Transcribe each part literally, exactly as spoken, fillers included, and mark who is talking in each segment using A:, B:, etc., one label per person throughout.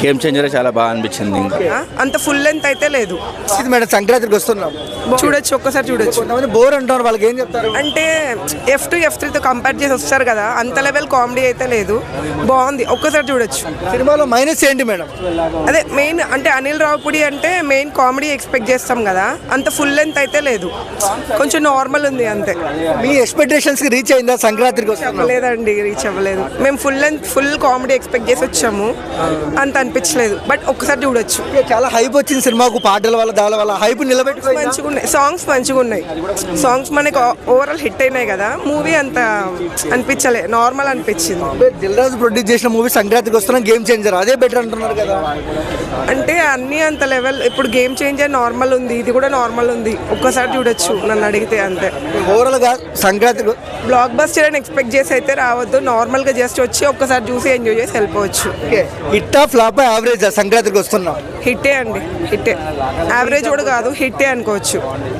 A: Game changer చాలా బాగా అనిపించింది. ఇంకా
B: అంత ఫుల్ లెంత్ అయితే లేదు.
C: ఇది మేడం సంక్రాంతికి వస్తున్నాం,
B: చూడొచ్చు, ఒక్కసారి చూడొచ్చు.
C: కొంతమంది బోర్ అంటారు, వాళ్ళకి ఏం చెప్తారు?
B: అంటే ఎఫ్ టు ఎఫ్ త్రీతో కంపేర్ చేసి వస్తారు కదా, అంత లెవెల్ కామెడీ అయితే లేదు, బాగుంది, ఒక్కసారి చూడొచ్చు.
C: సినిమాలో మైనస్ ఏంటి మేడం?
B: అదే మెయిన్ అంటే అనిల్ రావుపూడి అంటే మెయిన్ కామెడీ ఎక్స్పెక్ట్ చేస్తాం కదా, అంత ఫుల్ లెంత్ అయితే లేదు, కొంచెం నార్మల్ ఉంది అంతే.
C: మీ ఎక్స్పెక్టేషన్స్ కి రీచ్ అయిందా సంక్రాంతికి?
B: అవ్వలేదండి, రీచ్ అవ్వలేదు. మేము full length full comedy expect చేసి వచ్చాము, అంత అనిపించలేదు, బట్ ఒక్కసారి చూడొచ్చు.
C: చాలా హైప్ వచ్చింది సినిమాకు, పాటల వల్ల దాని వల్ల హైప్ నిలబెట్టుకో.
B: మంచిగా ఉన్నాయి సాంగ్స్, మంచిగా ఉన్నాయి సాంగ్స్, మనకి ఓవరాల్ హిట్ అయినాయి కదా. మూవీ అంత అనిపించలే, నార్మల్ అనిపించింది.
C: దిల్ రాజు ప్రొడ్యూస్ చేసిన మూవీ సంక్రాంతికి వస్తున్నాం, గేమ్ చేంజర్ అదే బెటర్ అంటున్నారు కదా.
B: అంటే అన్ని అంత లెవెల్, ఇప్పుడు గేమ్ చేంజర్ నార్మల్ ఉంది, ఇది కూడా నార్మల్ ఉంది, ఒక్కసారి చూడొచ్చు నన్ను అడిగితే అంతే.
C: ఓవరాల్ గా సంక్రాంతికి
B: బ్లాక్ బస్టర్ అని ఎక్స్పెక్ట్ చేసి అయితే రావద్దు, నార్మల్ గా జస్ట్ వచ్చి ఒక్కసారి చూసి ఎంజాయ్ చేసి వెళ్ళిపోవచ్చు.
C: హిట్టా ఫ్లాప్ యావరేజ్ సంక్రాంతికి వస్తున్నాం?
B: హిట్టే అండి, హిట్టే, యావరేజ్ కూడా కాదు, హిట్టే అనుకోవచ్చు.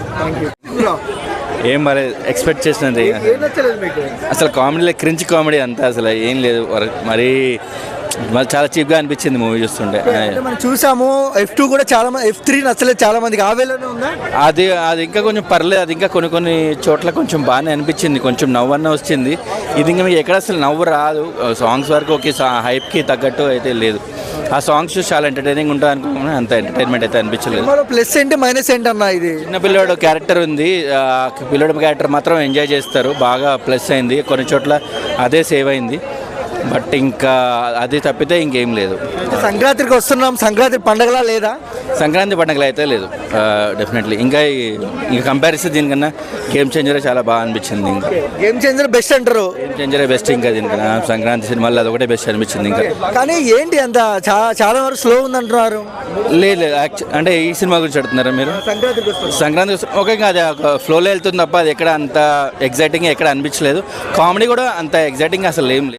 A: ఏం మరి ఎక్స్పెక్ట్ చేసినది అసలు కామెడీలో క్రించ్ కామెడీ అంతా అసలు ఏం లేదు, మరి మరి చాలా చీప్గా అనిపించింది మూవీ చూస్తుంటే.
C: మనం చూసాము ఎఫ్ టూ కూడా చాలా మంది, ఎఫ్ త్రీ నచ్చలేదు చాలా మందికి, ఆ వేలోనే ఉందా?
A: అది అది ఇంకా కొంచెం పర్లేదు, అది ఇంకా కొన్ని కొన్ని చోట్ల కొంచెం బాగానే అనిపించింది, కొంచెం నవ్వు అన్న వచ్చింది. ఇది ఇంకా మీకు ఎక్కడ అసలు నవ్వు రాదు, సాంగ్స్ వరకు ఓకే, హైప్కి తగ్గట్టు అయితే లేదు. ఆ సాంగ్స్ చూసి చాలా ఎంటర్టైనింగ్ ఉంటుంది అనుకున్నాను, అంత ఎంటర్టైన్మెంట్ అయితే అనిపించలేదు.
C: ప్లస్ ఏంటి మైనస్ ఏంటి అన్న? ఇది
A: చిన్న పిల్లోడు క్యారెక్టర్ ఉంది, పిల్లోడు క్యారెక్టర్ మాత్రం ఎంజాయ్ చేస్తారు, బాగా ప్లస్ అయింది, కొన్ని చోట్ల అదే సేవ్ అయింది, బట్ ఇంకా అది తప్పితే ఇంకేం లేదు.
C: సంక్రాంతికి వస్తున్నాం, సంక్రాంతి పండగలా లేదా?
A: సంక్రాంతి పండుగలు అయితే లేదు డెఫినెట్లీ. ఇంకా ఇంకా కంపారిజన్ దీనికన్నా గేమ్ చేంజర్ చాలా బాగా అనిపించింది. ఇంకా
C: గేమ్ చేంజర్ బెస్ట్ అంటారు?
A: గేమ్ చేంజరే బెస్ట్ ఇంకా దీనికన్నా, సంక్రాంతి సినిమాల్లో అది ఒకటే బెస్ట్ అనిపించింది. ఇంకా
C: కానీ ఏంటి అంత చాలా వరకు స్లో ఉంది అంటున్నారు?
A: లేదు లేదు, అంటే ఈ సినిమా గురించి అడుగుతున్నారా మీరు?
C: సంక్రాంతికి
A: సంక్రాంతి ఓకే, అది ఫ్లోలో వెళ్తుంది తప్ప అది ఎక్కడ అంత ఎగ్జైటింగ్ ఎక్కడ అనిపించలేదు. కామెడీ కూడా అంత ఎగ్జైటింగ్ అసలు ఏం లేదు.